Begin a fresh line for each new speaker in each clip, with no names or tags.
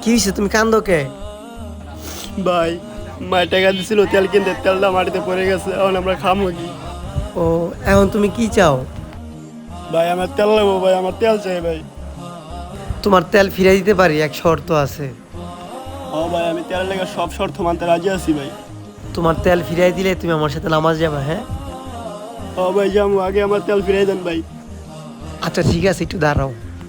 কি হয়েছে, তুমি কান্দো কে?
ভাই মায়ের টাকা দিছিল তেল কিনতে, তেলটা মাটিতে পড়ে গেছে, এখন আমরা খামো কি?
ও, এখন তুমি কি চাও?
ভাই আমার তেল নেবো ভাই, আমার তেল চাই ভাই।
তোমার তেল ফিরিয়ে দিতে পারি, এক শর্ত আছে।
ও ভাই আমি তেলের লেগে সব শর্ত মানতে রাজি আছি ভাই।
তোমার তেল ফিরিয়ে দিলে তুমি আমার সাথে নামাজ যাবে, হ্যাঁ?
ও ভাই যাবো, আগে আমার তেল ফিরাই দেন ভাই।
আচ্ছা ঠিক আছে, একটু দাঁড়াও।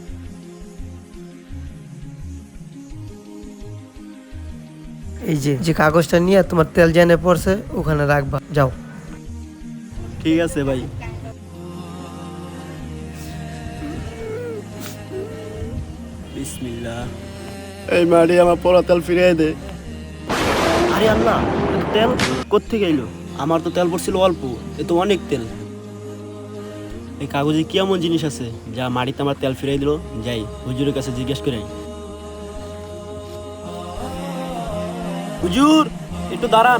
এই যে যে কাগজটা নিয়ে তোমার তেল জেনে পড়ছে ওখানে রাখবা, যাও।
ঠিক আছে ভাই। বিসমিল্লাহ। এই মাটি আমার পড়া তেল ফিরিয়ে দে। আরে আল্লাহ, তেল কোত্থেকে এলো? আমার তো তেল পড়ছিল অল্প, এ তো অনেক তেল। এই কাগজে কি এমন জিনিস আছে যা মাটিতে আমার তেল ফিরিয়ে দিল? যাই হুজুরের কাছে জিজ্ঞেস করে আই। হুজুর একটু দাঁড়ান।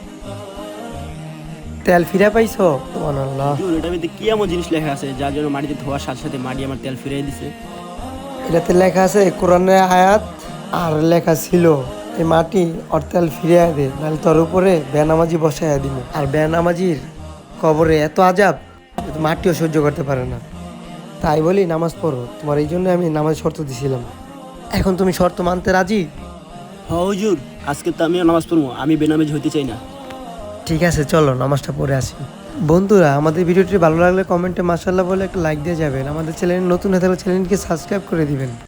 তেল ফিরে পাইছো? সুবহানাল্লাহ।
হুজুর এটার ভিতরে কি এমন জিনিস লেখা আছে যার জন্য মাটিতে ধোয়ার সাথে সাথে মাটি আমার তেল ফিরিয়ে দিছে?
এটাতে লেখা আছে কোরআনের আয়াত, আর লেখা ছিল এই মাটি ওর তেল ফিরিয়ে দে, নাহলে তোর উপরে বেনামাজি বসাইয়া দিব। আর বেনামাজির কবরে এত আজাব যে তো মাটিও সহ্য করতে পারে না। তাই বলি নামাজ পড়ো, তোমার এই জন্য আমি নামাজ শর্ত দিছিলাম। এখন তুমি শর্ত মানতে রাজি?
হ্যাঁ হুজুর, আজকে তো আমিও নামাজ পড়বো, আমি বেনামাজি হইতে চাই না।
ঠিক আছে, চলো নামাজটা পড়ে আসি। বন্ধুরা, আমাদের ভিডিওটি ভালো লাগলে কমেন্টে মাশাআল্লাহ বলে একটা লাইক দিয়ে যাবেন। আমাদের চ্যানেল নতুন হয়ে থাকলে চ্যানেলকে সাবস্ক্রাইব করে দিবেন।